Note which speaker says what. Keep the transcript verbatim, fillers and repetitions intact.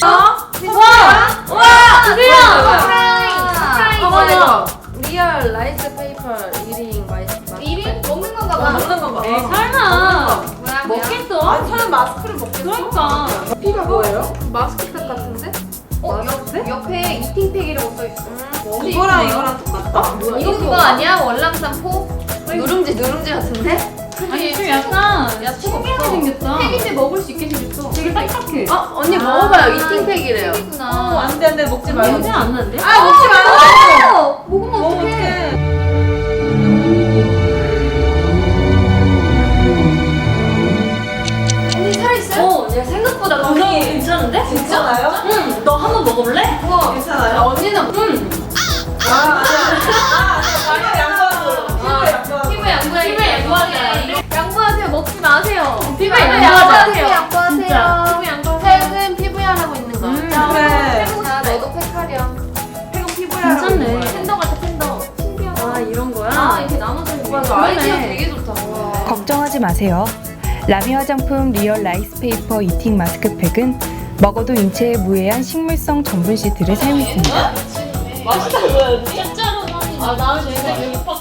Speaker 1: 어?
Speaker 2: 와! 와! 드디어!
Speaker 1: 아 맞아. 리얼 라이스 페이퍼 일 인 마이스.
Speaker 2: 일 인? 먹는 건가 봐.
Speaker 1: 먹는 거 봐.
Speaker 3: 에이 설마
Speaker 2: 뭐야, 뭐야?
Speaker 3: 먹겠어?
Speaker 1: 아니 사람 마스크를 먹겠어?
Speaker 3: 그러니까
Speaker 1: 피가 뭐예요? 마스크팩 같은데?
Speaker 2: 어, 옆, 옆에 이팅팩이라고 써있어.
Speaker 1: 음, 이거랑 이거랑 똑같다. 뭐야?
Speaker 2: 이거 그거 아니야? 월남쌈포? 누룽지 누룽지 같은데?
Speaker 3: 아니 좀 약간
Speaker 2: 야채가
Speaker 3: 신기하게
Speaker 2: 없어.
Speaker 3: 생겼다.
Speaker 2: 팩인데 먹을 수 있게 생겼어.
Speaker 3: 되게 딱딱해.
Speaker 1: 어 언니 먹어봐요. 이팅팩이래요.
Speaker 3: 어,
Speaker 2: 팩이구나.
Speaker 1: 안돼 안돼 먹지 말고.
Speaker 3: 냄새 안 나는데?
Speaker 1: 아 먹지 말고.
Speaker 2: 어, 먹으면 어떡해. 언니 살있어요?
Speaker 3: 어, 얘 생각보다 건강이 괜찮은데?
Speaker 1: 괜찮아요?
Speaker 3: 응. 너 한번 먹어볼래?
Speaker 2: 우와.
Speaker 1: 괜찮아요?
Speaker 2: 언니는
Speaker 3: 응.
Speaker 1: 아 아니야. 양보하고.
Speaker 2: 피부 양보해.
Speaker 3: 피부 양보하자.
Speaker 2: 양보하세요. 먹지 마세요.
Speaker 3: 피부
Speaker 2: 양보하세요.
Speaker 3: 양보하자.
Speaker 2: 양보하세요.
Speaker 3: 진짜.
Speaker 2: 피부 양보하세요. 팩은 피부야 하고 있는 거.
Speaker 3: 음,
Speaker 2: 자,
Speaker 1: 그래.
Speaker 2: 자, 너도 팩하렴.
Speaker 1: 팩은 피부야.
Speaker 3: 괜찮네.
Speaker 2: 팬더 같아, 팬더. 신기하다.
Speaker 3: 아 이런 거야?
Speaker 2: 아, 이렇게 나눠져 있는
Speaker 1: 맞아.
Speaker 2: 거.
Speaker 1: 아이디어
Speaker 2: 되게 좋다.
Speaker 4: 걱정하지 마세요. 라미 화장품 리얼 라이스 페이퍼 이팅 마스크팩은 먹어도 인체에 무해한 식물성 전분 시트를 사용했습니다.
Speaker 3: 맛있다 보여야지. 진짜로 아 나는 진짜 여기